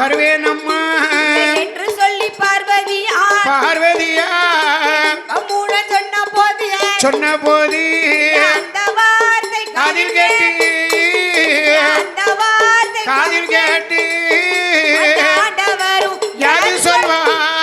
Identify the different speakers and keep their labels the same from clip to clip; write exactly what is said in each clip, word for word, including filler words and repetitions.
Speaker 1: வருவேனம்மா
Speaker 2: என்று சொல்லி பார்வதியா
Speaker 1: பார்வதியா
Speaker 2: மூட சொன்ன போது
Speaker 1: சொன்ன போது
Speaker 2: அந்த வார்த்தை
Speaker 1: காதில் கேட்டு
Speaker 2: அந்த வார்த்தை
Speaker 1: காதில் கேட்டு
Speaker 2: ஆண்டவரும்
Speaker 1: யாது சொல்வா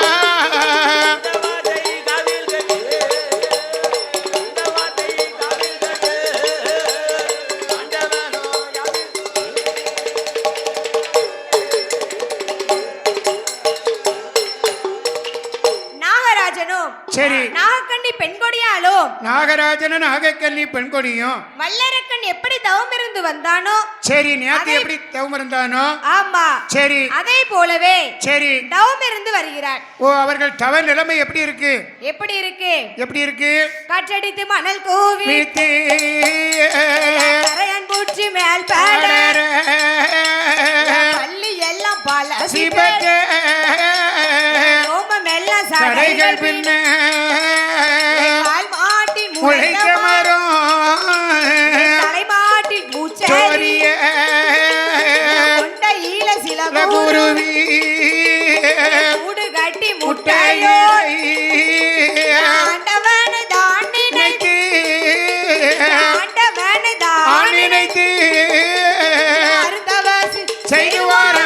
Speaker 1: சரி
Speaker 2: நாகக்கண்ணி பெண்கொடியாலும்
Speaker 1: நாகராஜனும் நாகக்கண்ணி பெண்கொடியும்
Speaker 2: வல்லரக்கன் எப்படி தவம் இருந்து வந்தானோ
Speaker 1: சரி நேத்து எப்படி தவம் இருந்தானோ
Speaker 2: ஆமா
Speaker 1: சரி
Speaker 2: அதே போலவே
Speaker 1: சரி தவம்
Speaker 2: இருந்து வருகிறார்.
Speaker 1: ஓ அவர்கள் தவ நிலைமை எப்படி இருக்கு
Speaker 2: எப்படி இருக்கு
Speaker 1: எப்படி இருக்கு
Speaker 2: காற்றடித்து மணல் கூவி கரையான் பூச்சி மேல் பாட பள்ளி எல்லாம் பல சிபக்க ஓமம் எல்லாம் சடைகள் பின்ன கால் மாட்டி முளைக்க மரம் தலை மாட்டி மூச்சோரிய கொண்ட ஈழ சில குருவி மூடு கட்டி முட்டையோ ஆண்டவனை தான் நினைத்து ஆண்டவனை தான் நினைத்து அருந்தவாசி செய்வாரா.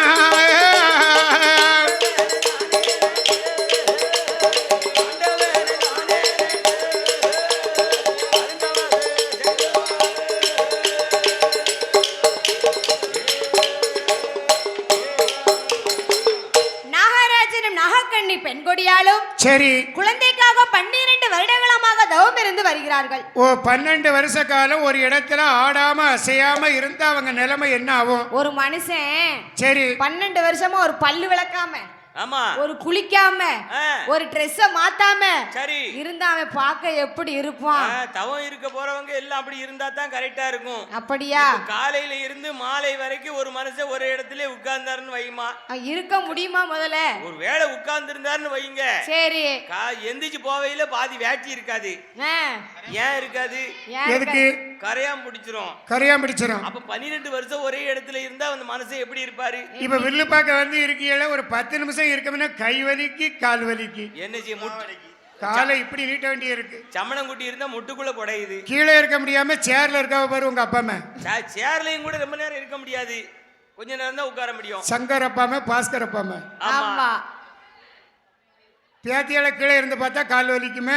Speaker 2: பெண்கொடியாலும்
Speaker 1: சரி
Speaker 2: குழந்தைக்காக பன்னிரண்டு வருடங்களமாக தவம் இருந்து வருகிறார்கள்.
Speaker 1: ஓ பன்னெண்டு வருஷ காலம் ஒரு இடத்துல ஆடாம அசையாம இருந்தா அவங்க நிலைமை என்ன ஆகும்?
Speaker 2: ஒரு மனுஷன்
Speaker 1: சரி
Speaker 2: பன்னெண்டு வருஷமா ஒரு பல்லு விளக்காம
Speaker 3: ஆமா
Speaker 2: ஒரு குளிக்காம ஒரு ட்ரெஸ் மாத்தாம
Speaker 3: சரி
Speaker 2: இருந்தா அவன் பார்க்க எப்படி இருப்பான்?
Speaker 3: தவம் இருக்க போறவங்க எல்லாம் அப்படி இருந்தா தான் கரெக்டா இருக்கும்.
Speaker 2: அப்படியா?
Speaker 3: காலையில இருந்து மாலை வரைக்கும் ஒரு மனுஷன் ஒரு இடத்துல உட்கார்ந்தாருன்னு வைமா
Speaker 2: இருக்க முடியுமா? முதல்ல
Speaker 3: ஒரு வேளை உட்கார்ந்து இருந்தாருன்னு வைங்க
Speaker 2: சரி
Speaker 3: எந்திரிச்சு போவையில பாதி வேட்டி இருக்காது. ஏன் இருக்காது?
Speaker 1: எதுக்கு?
Speaker 3: கரையாம் பிடிச்சிரும்.
Speaker 1: கரையாம் பிடிச்சிரும்.
Speaker 3: அப்ப பன்னிரெண்டு வருஷம் ஒரே இடத்துல இருந்தா அந்த மனுஷன் எப்படி இருப்பாரு?
Speaker 1: இப்ப வில்லு பார்க்க வந்து இருக்கீங்கள ஒரு பத்து நிமிஷம் இருக்கமுன்னா கை வலிக்கு கால் வலிக்கு
Speaker 3: என்ன செய்ய முட்டு
Speaker 1: காலை இப்படி நீட்ட வேண்டிய இருக்கு.
Speaker 3: சமணம் குட்டி இருந்தா முட்டுக்குள்ள குடையுது.
Speaker 1: கீழே இருக்க முடியாம சேர்ல இருக்க பாரு உங்க அப்பா அம்மா.
Speaker 3: சேர்லயும் கூட ரொம்ப நேரம் இருக்க முடியாது. கொஞ்ச நேரம் தான் உட்கார முடியும்.
Speaker 1: சங்கர் அப்பா அம்மா பாஸ்கர் அப்பா அம்மா.
Speaker 2: ஆமா
Speaker 1: பேத்தியால கீழே இருந்து பார்த்தா கால் வலிக்குமே.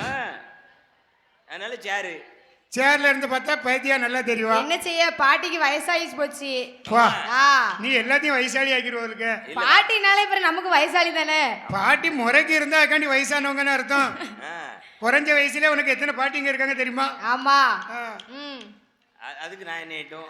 Speaker 3: அதனால சேரு
Speaker 1: சேர்ல இருந்து பார்த்தா பேத்தியா நல்லா தெரியும்.
Speaker 2: என்ன செய்ய பாட்டிக்கு வயசாயிச்சு போச்சு.
Speaker 1: நீ எல்லாத்தையும் வயசாளி ஆக்கிடுவோம்.
Speaker 2: பாட்டினாலே இப்ப நமக்கு வயசாளி தானே.
Speaker 1: பாட்டி முறைக்கு இருந்தா அதுக்காண்டி வயசானவங்கன்னு அர்த்தம். குறைஞ்ச வயசுல உனக்கு எத்தனை பாட்டிங்க இருக்காங்க தெரியுமா?
Speaker 2: ஆமா
Speaker 3: அதுக்கு நான் என்ன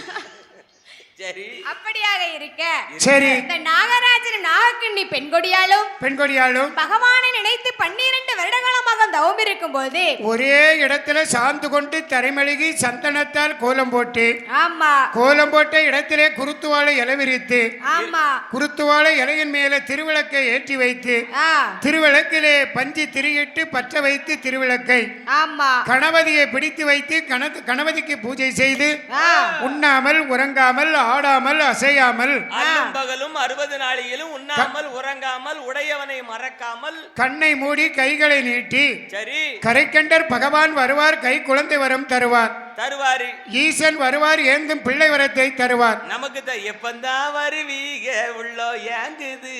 Speaker 3: சரி
Speaker 2: அப்படியாக இருக்க
Speaker 1: சரி
Speaker 2: இந்த நாகராஜன் நாகக்கண்ணி பெண்கொடியாலும்
Speaker 1: பெண்கொடியாலும்
Speaker 2: பகவானை நினைத்து பன்னிரண்டு வருடகாலமாக தவம் இருக்கும் போது
Speaker 1: ஒரே இடத்துல சாந்து கொண்டு தரைமழுகி சந்தனத்தால் கோலம் போட்டு
Speaker 2: ஆமா
Speaker 1: கோலம் போட்ட இடத்திலே குருத்துவாளை இலை விரித்து
Speaker 2: ஆமா
Speaker 1: குருத்துவாளை இலையின் மேல திருவிளக்கை ஏற்றி வைத்து திருவிளக்கிலே பஞ்சு திரியிட்டு பற்ற வைத்து திருவிளக்கை
Speaker 2: ஆமா
Speaker 1: கணபதியை பிடித்து வைத்து கணபதிக்கு பூஜை செய்து உண்ணாமல் உறங்காமல் ஆடாமல் அசையாமல்
Speaker 3: பகலும் அறுபது நாளிலும் உண்ணாமல் உறங்காமல் உடையவனை மறக்காமல்
Speaker 1: கண்ணை மூடி கைகளை நீட்டி
Speaker 3: சரி
Speaker 1: கரைக்கண்டர் பகவான் வருவார் கை குழந்தை வரம் தருவார்
Speaker 3: தருவாரு
Speaker 1: ஈசன் வருவார் ஏந்தும் பிள்ளை வரத்தை தருவார்.
Speaker 3: நமக்கு எப்பந்தான் வருவீக உள்ளோ ஏங்குது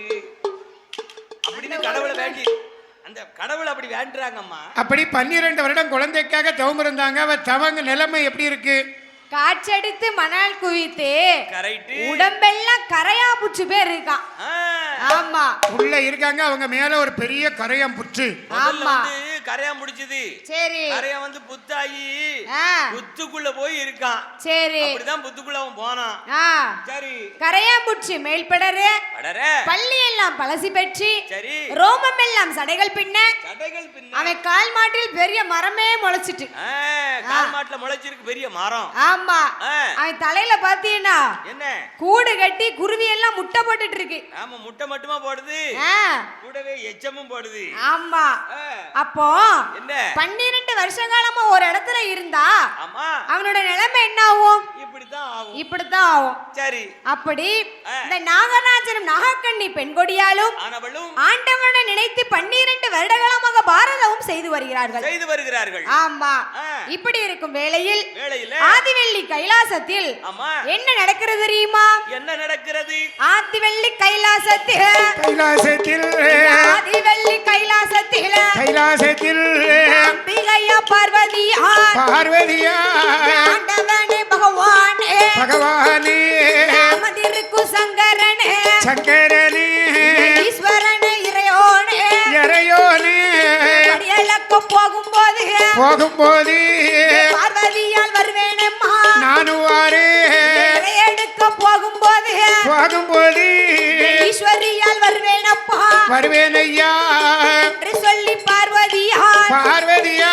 Speaker 3: அப்படின்னு கடவுளை வேண்டி அந்த கடவுள் அப்படி வேண்டுறாங்கம்மா.
Speaker 1: அப்படி பன்னிரண்டு வருடம் குழந்தைக்காக தவம் இருந்தாங்க. அவ தவங்க நிலைமை எப்படி இருக்கு?
Speaker 2: காற்றடித்து மணல் குவித்து உடம்பெல்லாம் கரையா புச்சு பேர் இருக்கான். ஆமா
Speaker 1: உள்ள இருக்காங்க. அவங்க மேல ஒரு பெரிய கரையாம் புற்று.
Speaker 2: ஆமா
Speaker 3: கரையாம் புடிச்சது.
Speaker 2: சரி
Speaker 3: கரையா வந்து புத்தாயி புத்துக்குள்ள போய் இருக்கான்.
Speaker 2: சரி
Speaker 3: அப்படிதான் புத்துக்குள்ள அவன் போனான். சரி
Speaker 2: கரையாம் புச்சு மேல் படரு பள்ளி எல்லாம் பழசி பெற்றி
Speaker 3: சரி
Speaker 2: ரோமம் எல்லாம் சடைகள் பின்ன
Speaker 3: சடைகள் பின்ன
Speaker 2: அவன் கால் மாட்டில் பெரிய மரமே முளைச்சிட்டு.
Speaker 3: கால் மாட்டுல முளைச்சிருக்கு பெரிய மரம்.
Speaker 2: ஆமா அவன் தலையில பாத்தீங்கன்னா
Speaker 3: என்ன
Speaker 2: கூடு கட்டி குருவி எல்லாம் முட்டை போட்டுட்டு இருக்கு.
Speaker 3: ஆமா முட்டை மட்டுமா போடுது கூடவே எச்சமும் போடுது.
Speaker 2: ஆமா அப்போ
Speaker 3: என்ன
Speaker 2: பன்னிரண்டு பன்னிரண்டு வருஷ காலமா ஒரு இடத்துல இருந்தா
Speaker 3: ஆமா
Speaker 2: அவனோட நிலைமை என்ன ஆகும்?
Speaker 3: இப்படித்தான் ஆகும்.
Speaker 2: இப்படித்தான் ஆகும்.
Speaker 3: சரி.
Speaker 2: அப்படி இந்த நாகராஜனும் நாகக்கண்ணி பெண்கொடியாலும்
Speaker 3: ஆனவளும்
Speaker 2: ஆண்டவனை நினைத்து பன்னிரண்டு வருடகாலமாக பாரதமும் செய்து வருகிறார்கள்
Speaker 3: செய்து வருகிறார்கள்.
Speaker 2: ஆமா. இப்படி இருக்கும் வேளையில்
Speaker 3: வேளையில
Speaker 2: ஆதிவெள்ளி கைலாசத்தில்
Speaker 3: ஆமா
Speaker 2: என்ன நடக்கிறது தெரியுமா?
Speaker 3: என்ன நடக்கிறது?
Speaker 2: ஆதிவெள்ளி கைலாசத்தில்
Speaker 1: கைலாசத்தில்
Speaker 2: ஆதிவெள்ளி கைலாசத்தில்
Speaker 1: கைலாசத்தில்
Speaker 2: அம்பிகையா பார்வதியா
Speaker 1: பார்வதியா
Speaker 2: ஆண்டவனே பகவானே
Speaker 1: பகவானே
Speaker 2: அமதிருக்கு சங்கரனே
Speaker 1: சங்கரனே
Speaker 2: ஈஸ்வரனே இறையோனே
Speaker 1: இறையோனே
Speaker 2: படியளக்க போகும்போது
Speaker 1: போகும்போது
Speaker 2: பார்வதியால் வருவேனம்மா
Speaker 1: நானும் வாரே
Speaker 2: எடுக்க போகும்போது
Speaker 1: போகும்போது
Speaker 2: ஈஸ்வரியால் வருவேனப்பா
Speaker 1: வருவேன் ஐயா
Speaker 2: என்று சொல்லி பார்வதியால்
Speaker 1: பார்வதியா